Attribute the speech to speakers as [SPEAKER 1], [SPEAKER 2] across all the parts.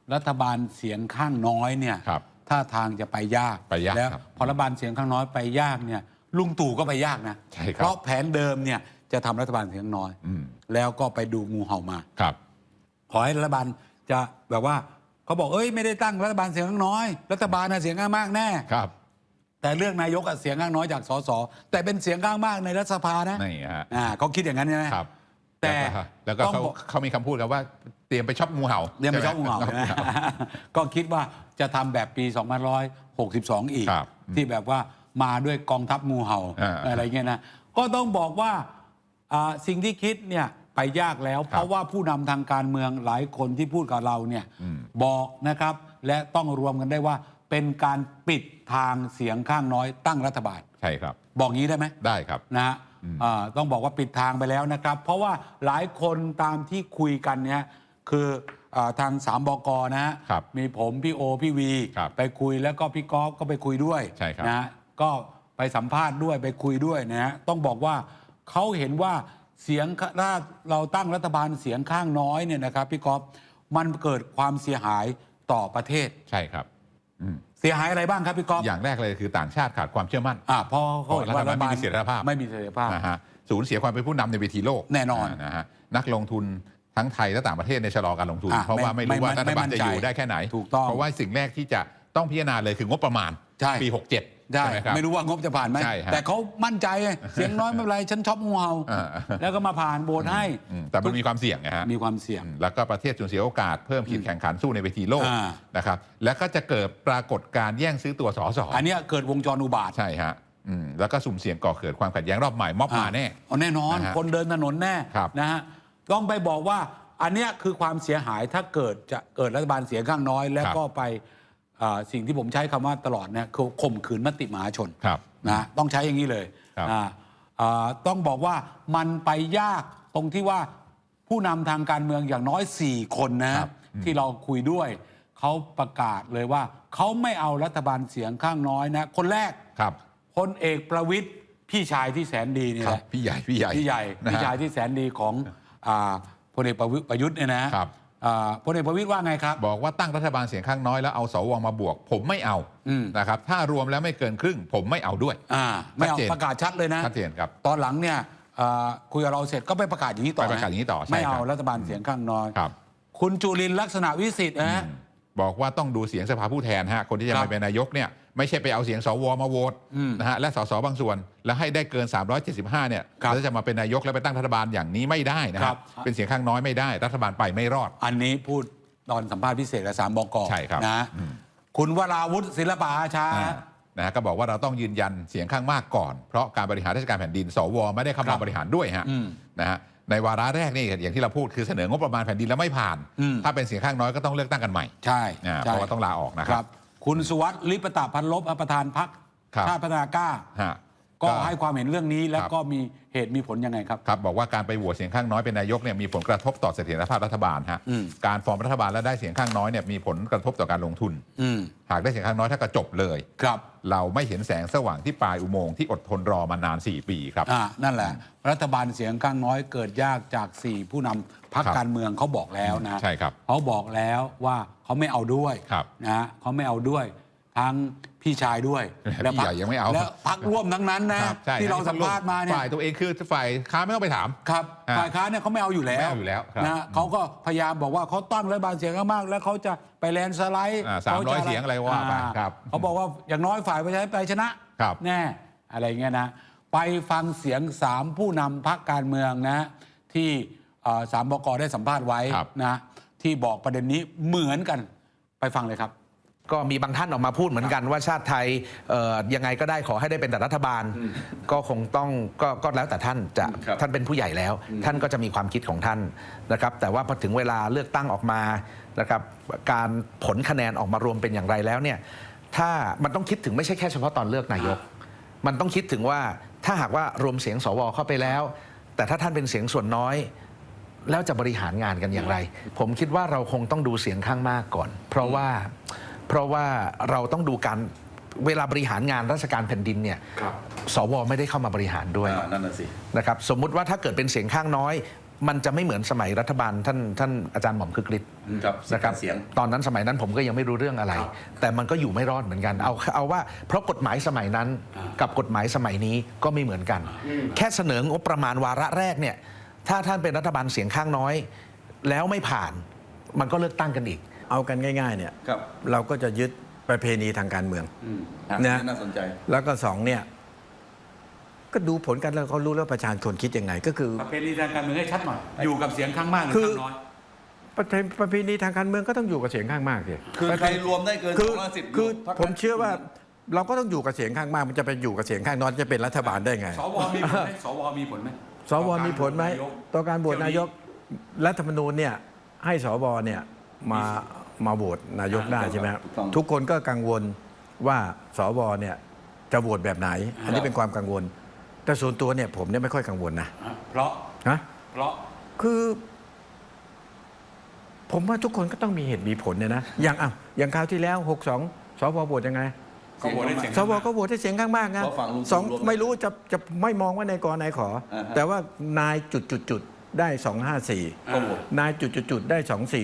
[SPEAKER 1] รัฐบาลเสียงข้างน้อยเนี่ยท่าทางจะไปยากแล้วพอรัฐบาลเสียงข้างน้อยไปยากเนี่ยลุงตู่ก็ไปยากนะเพราะแผนเดิมเนี่ยจะทำรัฐบาลเสียงน้อยแล้วก็ไปดูงูเห่ามาขอให้รัฐบาลจะแบบว่าเขาบอกไม่ได้ตั้งรัฐบาลเสียงข้างน้อยรัฐบาลเสียงข้างมากแน่แต่เลือกนายกเสียงข้างน้อยจากสสแต่เป็นเสียงข้างมากในรัฐสภานะเขาคิดอย่างนั้นใช่ไหมแต่
[SPEAKER 2] แล้วก็เขามีคำพูดกันว่าเตรียมไปช็อปงูเห่า
[SPEAKER 1] เตรียมไปช็อปงูเห่าก็คิดว่าจะทำแบบปี2562อีกที่แบบว่ามาด้วยกองทัพงูเห่าอะไรเงี้ยนะก็ต้องบอกว่าสิ่งที่คิดเนี่ยไปยากแล้วเพราะว่าผู้นำทางการเมืองหลายคนที่พูดกับเราเนี่ยบอกนะครับและต้องรวมกันได้ว่าเป็นการปิดทางเสียงข้างน้อยตั้งรัฐบาล
[SPEAKER 2] ใช่ครับ
[SPEAKER 1] บอกงี้ได้ไหม
[SPEAKER 2] ได้ครับ
[SPEAKER 1] นะต้องบอกว่าปิดทางไปแล้วนะครับเพราะว่าหลายคนตามที่คุยกันเนี่ยคือทาง3 บก.นะฮะมีผมพี่โอพี่วีไปคุยแล้วก็พี่ก๊อฟก็ไปคุยด้วยนะก็ไปสัมภาษณ์ด้วยไปคุยด้วยนะฮะต้องบอกว่าเขาเห็นว่าเสียงถ้าเราตั้งรัฐบาลเสียงข้างน้อยเนี่ยนะครับพี่ก๊อฟมันเกิดความเสียหายต่อประเทศ
[SPEAKER 2] ใช่ครับ
[SPEAKER 1] เสียหายอะไรบ้างครับพี่ก๊อฟ
[SPEAKER 2] อย่างแรกเลยคือต่างชาติขาดความเชื่อมั่น
[SPEAKER 1] เพราะเขาเห็นว่ารัฐบาล
[SPEAKER 2] ไม่มีเสถียรภาพสูญเสียความเป็นผู้นำในเวทีโลก
[SPEAKER 1] แน่นอน
[SPEAKER 2] นะฮะนักลงทุนทั้งไทยและต่างประเทศในชะลอการลงทุนเพราะว่าไม่รู้ว่ารัฐบาลจะอยู่ได้แค่ไหนเพราะว่าสิ่งแรกที่จะต้องพิจารณาเลยคืองบประมาณปี67
[SPEAKER 1] ใช่ไม่รู้ว่างบจะผ่านไหมแต่เขามั่นใจเสียงน้อยไม่เป็นไรฉันชอบงูเห่าแล้วก็มาผ่านโบสให้
[SPEAKER 2] แต่มันมีความเสี่ยงนะฮะ
[SPEAKER 1] มีความเสี่ยง
[SPEAKER 2] แล้วก็ประเทศสูญเสียโอกาสเพิ่มขีดแข่งขันสู้ในเวทีโลกนะครับแล้วก็จะเกิดปรากฏการแย่งซื้อตัวสส
[SPEAKER 1] อันนี้เกิดวงจรอุบาท
[SPEAKER 2] ใช่ฮะแล้วก็สุ่มเสี่ยงก่อเกิดความขัดแย้งรอบใหม่ม็อบมาแน่
[SPEAKER 1] แน่นอนคนเดินถนนแน่นะฮะต้องไปบอกว่าอันนี้คือความเสียหายถ้าเกิดจะเกิดรัฐบาลเสียงข้างน้อยแล้วก็ไปสิ่งที่ผมใช้คำว่าตลอดเนี่ยคือข่มขืนมติมหาชนนะต้องใช้อย่างนี้เลยต้องบอกว่ามันไปยากตรงที่ว่าผู้นำทางการเมืองอย่างน้อย4 คนนะที่เราคุยด้วยเขาประกาศเลยว่าเขาไม่เอารัฐบาลเสียงข้างน้อยนะคนแรกพลเอกประวิตรพี่ชายที่แสนดีนี่แหละ
[SPEAKER 2] พี่ใหญ่พี่
[SPEAKER 1] ชายที่แสนดีของพลเอกประยุทธ์เนี่ยนะพลเอกประวิตรว่าไงครับ
[SPEAKER 2] บอกว่าตั้งรัฐบาลเสียงข้างน้อยแล้วเอาสวมาบวกผมไม่เอานะครับถ้ารวมแล้วไม่เกินครึ่งผมไม่เอาด้วย
[SPEAKER 1] ไม่เอาประกาศชัดเลยนะ
[SPEAKER 2] ชัดเจนครับ
[SPEAKER 1] ตอนหลังเนี่ยคุยกับเราเสร็จก็ไปประกาศอย่างนี้ต่อไม่เอารัฐบาลเสียงข้างน้อยคุณจุลินทร์ลักษณะวิสิทธิ์นะ
[SPEAKER 2] บอกว่าต้องดูเสียงสภาผู้แทนฮะคนที่จะมาเป็นนายกเนี่ยไม่ใช่ไปเอาเสียงสวมาโหวตนะฮะและสสบางส่วนแล้วให้ได้เกิน375เนี่ยแล้วจะมาเป็นนายกแล้วไปตั้งรัฐบาลอย่างนี้ไม่ได้นะครับเป็นเสียงข้างน้อยไม่ได้รัฐบาลไปไม่รอด
[SPEAKER 1] อันนี้พูดตอนสัมภาษณ์พิเศษกับ3 บก.
[SPEAKER 2] ใช่ครับ
[SPEAKER 1] นะคุณวราวุฒิศิลปะอาชา
[SPEAKER 2] นะก็บอกว่าเราต้องยืนยันเสียงข้างมากก่อนเพราะการบริหารราชการแผ่นดินสวไม่ได้เข้ามาบริหารด้วยฮะนะฮะในวาระแรกนี่อย่างที่เราพูดคือเสนองบประมาณแผ่นดินแล้วไม่ผ่านถ้าเป็นเสียงข้างน้อยก็ต้องเลือกตั้งกันใหม่
[SPEAKER 1] ใช่
[SPEAKER 2] เพราะว่าต้องลาออกนะครับ
[SPEAKER 1] คุณสุวัสดิ์ลิปตะพันลบประธานพรรคชาติพัฒนากล้าก็ให้ความเห็นเรื่องนี้แล้วก็มีเหตุมีผลยังไงครับ
[SPEAKER 2] ครับบอกว่าการไปโหวตเสียงข้างน้อยเป็นนายกเนี่ยมีผลกระทบต่อเสถียรภาพรัฐบาลฮะการฟอร์มรัฐบาลแล้วได้เสียงข้างน้อยเนี่ยมีผลกระทบต่อการลงทุนหากได้เสียงข้างน้อยถ้าก็จบเลย
[SPEAKER 1] ครับ
[SPEAKER 2] เราไม่เห็นแสงสว่างที่ปลายอุโมงค์ที่อดทนรอมานาน4 ปีครับ
[SPEAKER 1] นั่นแหละรัฐบาลเสียงข้างน้อยเกิดยากจาก4 ผู้นำพรรคการเมืองเขาบอกแล้วนะ
[SPEAKER 2] ใช่ครับ
[SPEAKER 1] เขาบอกแล้วว่าเขาไม่เอาด้วยนะเขาไม่เอาด้วยทั้งพี่ชายด้วย
[SPEAKER 2] แล้วพี่ใหญ่ยังไม่เอา
[SPEAKER 1] แล้วพรรคร่วมทั้งนั้นนะที่เราสัมภาษณ์มาเนี่ย
[SPEAKER 2] ฝ่ายตัวเองคือฝ่ายค้านไม่ต้องไปถาม
[SPEAKER 1] ครับฝ่ายค้านเนี่ยเขาไม่เอาอยู่แล้วนะเขาก็พยายามบอกว่าเขาตั้งรัฐบาลเสียงข้างมากแล้วเขาจะไปแลนสไลด์
[SPEAKER 2] 300 เสียงอะไรว่าไปครับ
[SPEAKER 1] เขาบอกว่าอย่างน้อยฝ่ายประชาธิปไตยชนะแน่อะไรเงี้ยนะไปฟังเสียง3 ผู้นำพรรคการเมืองนะที่3 บก.ได้สัมภาษณ์ไว้นะที่บอกประเด็นนี้เหมือนกันไปฟังเลยครับ
[SPEAKER 3] ก็มีบางท่านออกมาพูดเหมือนกันว่าชาติไทยยังไงก็ได้ขอให้ได้เป็นแต่รัฐบาลก็คงต้องก็แล้วแต่ท่านจะท่านเป็นผู้ใหญ่แล้วท่านก็จะมีความคิดของท่านนะครับแต่ว่าพอถึงเวลาเลือกตั้งออกมานะครับการผลคะแนนออกมารวมเป็นอย่างไรแล้วเนี่ยถ้ามันต้องคิดถึงไม่ใช่แค่เฉพาะตอนเลือกนายกมันต้องคิดถึงว่าถ้าหากว่ารวมเสียงสวเข้าไปแล้วแต่ถ้าท่านเป็นเสียงส่วนน้อยแล้วจะบริหารงานกันอย่างไรผมคิดว่าเราคงต้องดูเสียงข้างมากก่อนเพราะว่าเราต้องดูการเวลาบริหารงานราชการแผ่นดินเนี่ยสวไม่ได้เข้ามาบริหารด้วย
[SPEAKER 1] นั่นน่ะสิ
[SPEAKER 3] นะครับสมมุติว่าถ้าเกิดเป็นเสียงข้างน้อยมันจะไม่เหมือนสมัยรัฐบาลท่านอาจารย์หม่อมคึกฤทธิ์
[SPEAKER 4] ครับ
[SPEAKER 3] นะครับ
[SPEAKER 4] เสียง
[SPEAKER 3] ตอนนั้นสมัยนั้นผมก็ยังไม่รู้เรื่องอะไร แต่มันก็อยู่ไม่รอดเหมือนกัน เอาว่าเพราะกฎหมายสมัยนั้นกับกฎหมายสมัยนี้ก็ไม่เหมือนกัน แค่เสนองบประมาณวาระแรกเนี่ยถ้าท่านเป็นรัฐบาลเสียงข้างน้อย แล้วไม่ผ่านมันก็เลือกตั้งกันอีก
[SPEAKER 5] เอากันง่ายๆเนี่ย
[SPEAKER 4] ครับ
[SPEAKER 5] เราก็จะยึดประเพณีทางการเมือง นะ
[SPEAKER 4] น่าสนใจ
[SPEAKER 5] แล้วก็สองเนี่ยก็ดูผลกันแล้วเขารู้แล้วประชาชนคิดยังไง ก็คือ
[SPEAKER 1] ประเพณีทางการเมืองให้ชัดหน่อยอยู่กับเสียงข้างมากหรือ
[SPEAKER 5] คือ
[SPEAKER 1] ข้างน้อย
[SPEAKER 5] ประเพณีทางการเมืองก็ต้องอยู่กับเสียงข้างมากสิ
[SPEAKER 4] คือใครรวมได้เกิน
[SPEAKER 5] คือ
[SPEAKER 4] 250
[SPEAKER 5] คือ
[SPEAKER 4] พรรค
[SPEAKER 5] ผมเชื่อว่าเราก็ต้องอยู่กับเสียงข้างมาก มันจะไปอยู่กับเสียงข้างน้อยจะเป็นรัฐบาลได้ไง
[SPEAKER 1] สวมีผลไหมสวมีผลไหม
[SPEAKER 5] สวมีผลไหมต่อการโหวตนายกรัฐธรรมนูญเนี่ยให้สวเนี่ยมาโหวตนายกได้ใช่ไหมครับทุกคนก็กังวลว่าสวเนี่ยจะโหวตแบบไหน อันนี้เป็นความกังวล แต่ส่วนตัวเนี่ยผมเนี่ยไม่ค่อยกังวลนะ
[SPEAKER 1] เพราะ
[SPEAKER 5] ฮะ
[SPEAKER 1] เพราะ
[SPEAKER 5] คือ ผมว่าทุกคนก็ต้องมีเหตุมีผลเนี่ยนะอย่างคราวที่แล้ว62สวโหวตยังไง
[SPEAKER 1] เขาโหวตได้เสียง
[SPEAKER 5] สวก็โหวตให้เสียงข้างมากนะ
[SPEAKER 4] เพราะฝั่งลุง
[SPEAKER 5] สอง
[SPEAKER 4] รวม
[SPEAKER 5] ไม่รู้จะไม่มองว่านายกนายขอ
[SPEAKER 4] อ่าฮะ
[SPEAKER 5] แต่ว่านายจุดได้254
[SPEAKER 4] ก็โหวต
[SPEAKER 5] นายจุดได้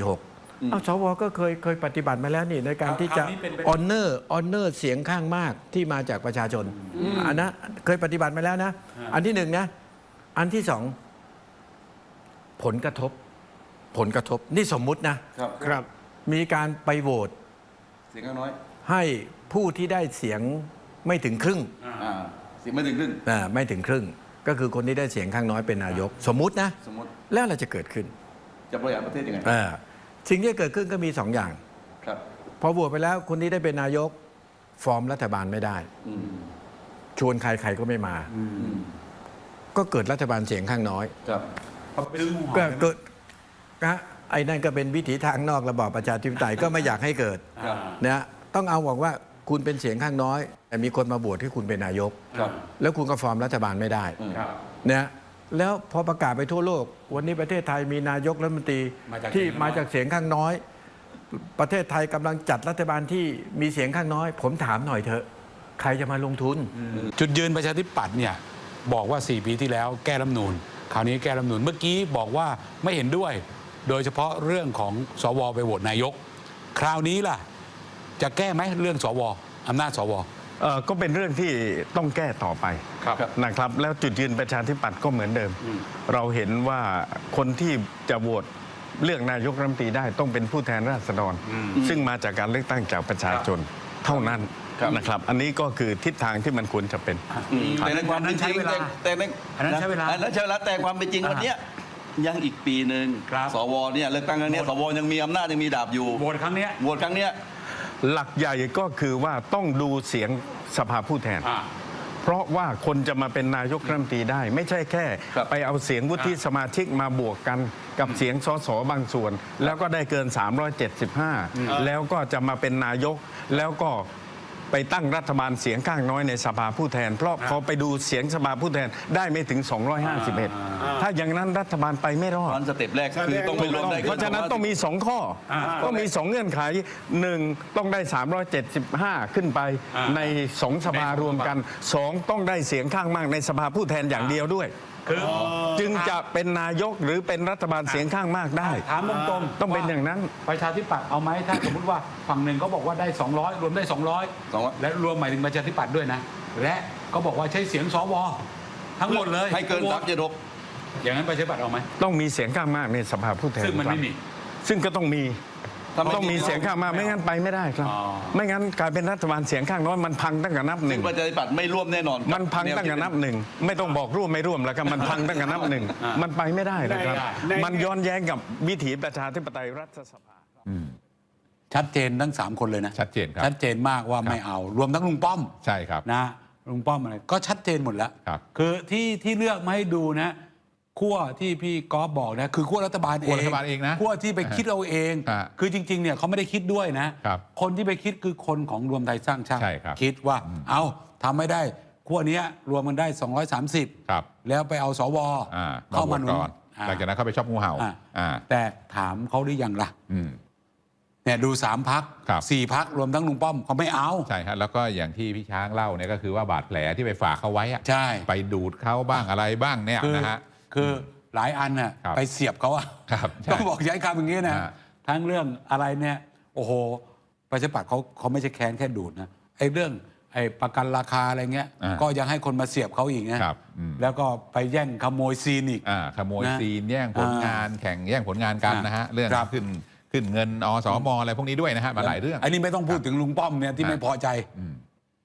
[SPEAKER 5] 246เอาสวก็เคยปฏิบัติมาแล้วนี่ในการที่จะ
[SPEAKER 1] คราวนี้เป็นไป
[SPEAKER 5] ออนเนอร์เสียงข้างมากที่มาจากประชาชนอันนะเคยปฏิบัติมาแล้วนะ อันที่หนึ่งนะ อันที่สองผลกระทบนี่สมมุตินะครับ มีการไปโหวต
[SPEAKER 4] เสียงข้างน้อย
[SPEAKER 5] ให้ผู้ที่ได้เสียงไม่ถึงครึ่ง
[SPEAKER 4] เสียงไม่ถึงครึ่ง
[SPEAKER 5] ไม่ถึงครึ่ง ก็คือคนที่ได้เสียงข้างน้อยเป็นนายก สมมุตินะ
[SPEAKER 4] สมมติ
[SPEAKER 5] แล้วอะไรจะเกิดขึ้น
[SPEAKER 4] จะบริหารประเทศยังไง
[SPEAKER 5] สิ่งที่จะเกิดขึ้นก็มี2 อย่าง
[SPEAKER 4] ครับ
[SPEAKER 5] พอโหวตไปแล้วคนที่ได้เป็นนายก ฟอร์มรัฐบาลไม่ได้
[SPEAKER 4] อืม
[SPEAKER 5] ชวนใครก็ไม่มา
[SPEAKER 4] อืม
[SPEAKER 5] ก็เกิดรัฐบาลเสียงข้างน้อย
[SPEAKER 4] ครับ
[SPEAKER 1] เขาไปซื้องู
[SPEAKER 5] ก็
[SPEAKER 1] เห่า
[SPEAKER 5] เกิดนะไอ้นั่นก็เป็นวิถีทางนอกระบอบประชาธิปไตยก็ไม่อยากให้เกิด
[SPEAKER 4] ครับ
[SPEAKER 5] นะต้องเอาบอกว่าคุณเป็นเสียงข้างน้อย แต่มีคนมาโหวตให้คุณเป็นนายก
[SPEAKER 4] ครับ
[SPEAKER 5] แล้วคุณก็ฟอร์มรัฐบาลไม่ได้
[SPEAKER 1] ครับ
[SPEAKER 5] นะแล้วพอประกาศไปทั่วโลก วันนี้ประเทศไทยมีนายกรัฐมนตรี
[SPEAKER 1] มาจาก
[SPEAKER 5] ที่
[SPEAKER 1] เสียงข้างน้อย
[SPEAKER 5] มาจากเสียงข้างน้อย ประเทศไทยกำลังจัดรัฐบาลที่มีเสียงข้างน้อย ผมถามหน่อยเถอะใครจะมาลงทุน
[SPEAKER 1] จุดยืนประชาธิปัตย์เนี่ยบอกว่า 4 ปีที่แล้วแก้รัฐธรรมนูญคราวนี้แก้รัฐธรรมนูญเมื่อกี้บอกว่าไม่เห็นด้วย โดยเฉพาะเรื่องของสวไปโหวตนายก คราวนี้ล่ะ จะแก้ไหมเรื่องสวอำนาจสว
[SPEAKER 6] ก็เป็นเรื่องที่ต้องแก้ต่อไป
[SPEAKER 1] ครับ
[SPEAKER 6] นะครับ แล้วจุดยืนประชาธิปัตย์ก็เหมือนเดิม เราเห็นว่าคนที่จะโหวตเลือกนายกรัฐมนตรีได้ต้องเป็นผู้แทนราษฎร ซึ่งมาจากการเลือกตั้งจากประชาชนเท่านั้น
[SPEAKER 4] ครับ
[SPEAKER 6] นะครับ อันนี้ก็คือทิศทางที่มันควรจะเป็น
[SPEAKER 4] แต่ในความเป็นจริง แต่ใน
[SPEAKER 1] อันนั้นใช้เวลา
[SPEAKER 4] อันนั้นใช้เวลาแต่ความเป็นจริงวันเนี้ยยังอีกปีหนึ่ง
[SPEAKER 1] ครับ
[SPEAKER 4] สวเนี่ยเลือกตั้งครั้งเนี้ยสวยังมีอำนาจยังมีดาบอยู่
[SPEAKER 1] โหวตครั้งเนี้ย
[SPEAKER 4] โหวตครั้งเนี้ย
[SPEAKER 6] หลักใหญ่ก็คือว่าต้องดูเสียงสภาผู้แทน เพราะว่าคนจะมาเป็นนายกรัฐมนตรีได้ ไม่ใช่แค่
[SPEAKER 4] ครับ
[SPEAKER 6] ไปเอาเสียงวุฒิสมาชิกมาบวกกันกับเสียงสสบางส่วน แล้วก็ได้เกิน 375 แล้วก็จะมาเป็นนายก แล้วก็ไปตั้งรัฐบาลเสียงข้างน้อยในสภาผู้แทน เพราะพอไปดูเสียงสภาผู้แทนได้ไม่ถึง 251 ถ้าอย่างนั้นรัฐบาลไปไม่รอด
[SPEAKER 4] ตอนสเต็ปแรกคือต้องไปรวมได้
[SPEAKER 6] เพราะฉะนั้นต้องมี 2 ข้อต้องมี 2 เงื่อนไข 1. ต้องได้ 375 ขึ้นไปใน 2 สภารวมกัน 2. ต้องได้เสียงข้างมากในสภาผู้แทนอย่างเดียวด้วย
[SPEAKER 1] คือ
[SPEAKER 6] จึงจะเป็นนายกหรือเป็นรัฐบาลเสียงข้างมากได้
[SPEAKER 1] ถามตรงๆ
[SPEAKER 6] ต้องเป็นอย่างนั้น
[SPEAKER 1] ประชาธิปัตย์เอาไหมถ้าสมมติว่าฝั่งหนึ่งเขาบอกว่าได้ 200 รวมได้ 200 และรวมหมายถึงประชาธิปัตย์ด้วยนะ และก็บอกว่าใช้เสียงสวทั้งหมดเลย
[SPEAKER 4] ให้เกิน
[SPEAKER 1] โหวต
[SPEAKER 4] 376
[SPEAKER 1] อย่างนั้นประชาธิปัตย์เอาไหม
[SPEAKER 6] ต้องมีเสียงข้างมากในสภาผู้แทน
[SPEAKER 1] ซึ่งมันไม่มี
[SPEAKER 6] ซึ่งก็ต้องมี
[SPEAKER 4] ถ้าไม่
[SPEAKER 6] ต้องมีเสียงข้างมากไม่งั้นไปไม่ได้ครับ
[SPEAKER 1] อ๋อ
[SPEAKER 6] ไม่งั้นกลายเป็นรัฐบาลเสียงข้างน้อยมันพังตั้งแต่นับห
[SPEAKER 4] ซึ่
[SPEAKER 6] นึ่
[SPEAKER 4] ง
[SPEAKER 6] ง
[SPEAKER 4] ประชาธิปัตย์ไม่ร่วมแน่นอน
[SPEAKER 6] มันพังตั้งแต่นับหนึ่งไม่ต้องบอกร่วมไม่ร่วมแล้วครับมันพังตั้งแต่นับหนึ่งมันไปไม่ได้นะครับ
[SPEAKER 1] ไม่ได้
[SPEAKER 6] มันย้อนแย้งกับวิถีประชาธิปไตยรัฐสภา
[SPEAKER 1] ชัดเจนทั้ง 3 คนเลยนะ
[SPEAKER 2] ชัดเจนครับ
[SPEAKER 1] ชัดเจนมากว่าไม่เอา รวมทั้งลุงป้อม
[SPEAKER 2] ใช่ครับ
[SPEAKER 1] นะลุงป้อมอะไรก็ชัดเจนหมดแล้ว
[SPEAKER 2] ครับ
[SPEAKER 1] คือที่เลือกมาให้ดูนะขั้วที่พี่กอล์ฟบอกนะคือขั้วรัฐบาลเอง
[SPEAKER 2] ขั้วรัฐบาลเองนะ
[SPEAKER 1] ขั้วที่ไปคิดเอาเอง
[SPEAKER 2] ฮะ
[SPEAKER 1] คือจริงๆเนี่ยเขาไม่ได้คิดด้วยนะครับ คนที่ไปคิดคือคนของรวมไทยสร้างชาติ
[SPEAKER 2] ใช่ครับ
[SPEAKER 1] คิดว่าเอาทำไม่ได้ขั้วเนี้ยรวมมันได้ 230
[SPEAKER 2] ครับ
[SPEAKER 1] แล้วไปเอาสว
[SPEAKER 2] เข้า
[SPEAKER 1] เข้า
[SPEAKER 2] มา
[SPEAKER 1] มาหนุน
[SPEAKER 2] ก่อน
[SPEAKER 1] อ่า
[SPEAKER 2] หลังจากนั้นเข้าไปชอบงูเห่า
[SPEAKER 1] อ่า
[SPEAKER 2] อ่า
[SPEAKER 1] แต่ถามเขาหรือยังล่ะ
[SPEAKER 2] อืม
[SPEAKER 1] เนี่ยดู3 พัก
[SPEAKER 2] ครับ
[SPEAKER 1] 4 พักรวมทั้งลุงป้อมเขาไม่เอา
[SPEAKER 2] ใช่ฮะแล้วก็อย่างที่พี่ช้างเล่าเนี่ยก็คือว่าบาดแผลที่ไปฝากเขาไว้อะ
[SPEAKER 1] ใช่
[SPEAKER 2] ไปดูดเขาบ้างอะไรบ้างเนี่ย
[SPEAKER 1] คือ
[SPEAKER 2] นะฮะ
[SPEAKER 1] คือหลายอันน่ะ
[SPEAKER 2] ครับ
[SPEAKER 1] ไปเสียบเขาอะ
[SPEAKER 2] ครับใช่
[SPEAKER 1] ต้องบอกใช้คำอย่างนี้นะ
[SPEAKER 2] ฮะ
[SPEAKER 1] ทั้งเรื่องอะไรเนี่ยโอ้โหประชาธิปัตย์เขาไม่ใช่แค้นแค่ดูดนะไอ้เรื่องไอ้ประกันราคาอะไรเงี้ย
[SPEAKER 2] อ่า
[SPEAKER 1] ก็ยังให้คนมาเสียบเขาอีกนะครับ แล้วก็ไปแย่งขโมยซีนอีก
[SPEAKER 2] ขโมย
[SPEAKER 1] นะ
[SPEAKER 2] ซีนแย่งผลงานแข่งแย่งผลงานกันนะฮะเรื่อง
[SPEAKER 1] ครับ
[SPEAKER 2] ขึ้นเงินอสมอะไรพวกนี้ด้วยนะฮะมาหลายเรื่อง
[SPEAKER 1] อันนี้ไม่ต้องพูดถึงลุงป้อมเนี่ยที่ไม่พอใจ